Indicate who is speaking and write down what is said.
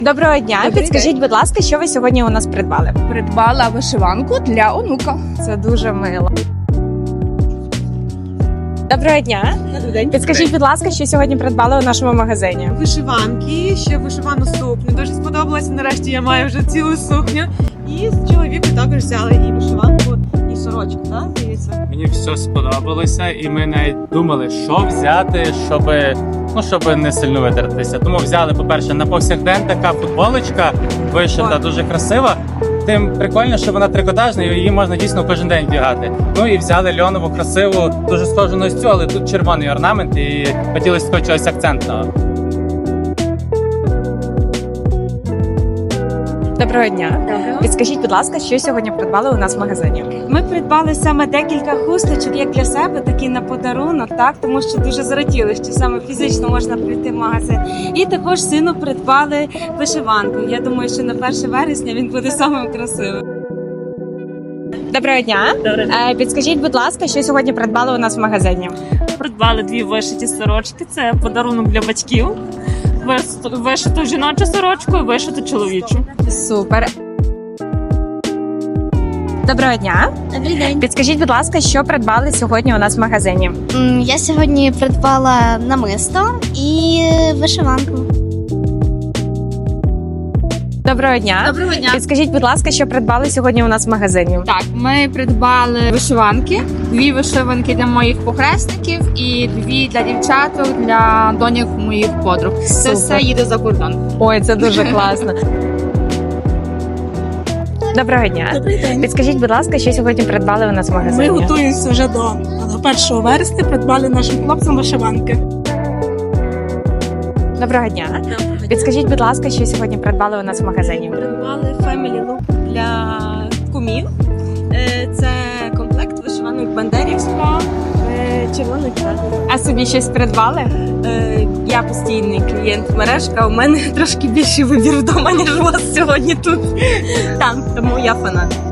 Speaker 1: Доброго дня. Підскажіть, будь ласка, що ви сьогодні у нас придбали?
Speaker 2: Придбала вишиванку для онука.
Speaker 1: Це дуже мило. Доброго дня.
Speaker 3: Добрий день.
Speaker 1: Підскажіть, будь ласка, що сьогодні придбали у нашому магазині?
Speaker 3: Вишиванки, ще вишивану сукню. Дуже сподобалося. Нарешті я маю вже цілу сукню. І з чоловіка також взяли і вишиванку, і сорочку, так? Дивіться.
Speaker 4: Мені все сподобалося, і ми навіть думали, що взяти, щоб не сильно витратитися. Тому взяли, по-перше, на повсякдень така футболочка вишита, дуже красива. Тим прикольно, що вона трикотажна, і її можна дійсно кожен день вдягати. Ну і взяли льонову, красиву, дуже схожу на цю, але тут червоний орнамент, і хотілося такого чогось акцентного.
Speaker 1: Доброго дня. Підскажіть, будь ласка, що сьогодні придбали у нас в магазині?
Speaker 5: Ми придбали саме декілька хусточок, як для себе, так і на подарунок, так, тому що дуже зраділи, що саме фізично можна прийти в магазин. І також сину придбали вишиванку. Я думаю, що на 1 вересня він буде самим красивим.
Speaker 1: Доброго дня. Підскажіть, будь ласка, що сьогодні придбали у нас в магазині?
Speaker 6: Придбали 2 вишиті сорочки. Це подарунок для батьків. Вишиту жіночу сорочку і вишиту чоловічу.
Speaker 1: Супер. Доброго дня.
Speaker 7: Добрий день.
Speaker 1: Підскажіть, будь ласка, що придбали сьогодні у нас в магазині?
Speaker 7: Я сьогодні придбала намисто і вишиванку.
Speaker 1: Доброго дня.
Speaker 2: Доброго дня.
Speaker 1: Підскажіть, будь ласка, що придбали сьогодні у нас в магазині?
Speaker 2: Так, ми придбали вишиванки, 2 вишиванки для моїх похресників і 2 для дівчаток, для доньок моїх подруг. Це
Speaker 1: Супер.
Speaker 2: все їде за кордон.
Speaker 1: Ой, це дуже класно. Доброго дня.
Speaker 8: Добрий день.
Speaker 1: Підскажіть, будь ласка, що сьогодні придбали у нас в
Speaker 8: Ми
Speaker 1: магазині?
Speaker 8: готуємося вже до 1 вересня. Придбали нашим хлопцям вишиванки.
Speaker 1: Доброго дня. Підскажіть, будь ласка, що сьогодні придбали у нас в магазині?
Speaker 5: Придбали Family Look для кумів. Це комплект вишиванок Бандерівського, червоний чорний.
Speaker 1: А собі щось придбали?
Speaker 5: Я постійний клієнт мережка, у мене трошки більший вибір вдома, ніж у вас сьогодні тут. Там, тому я фанат.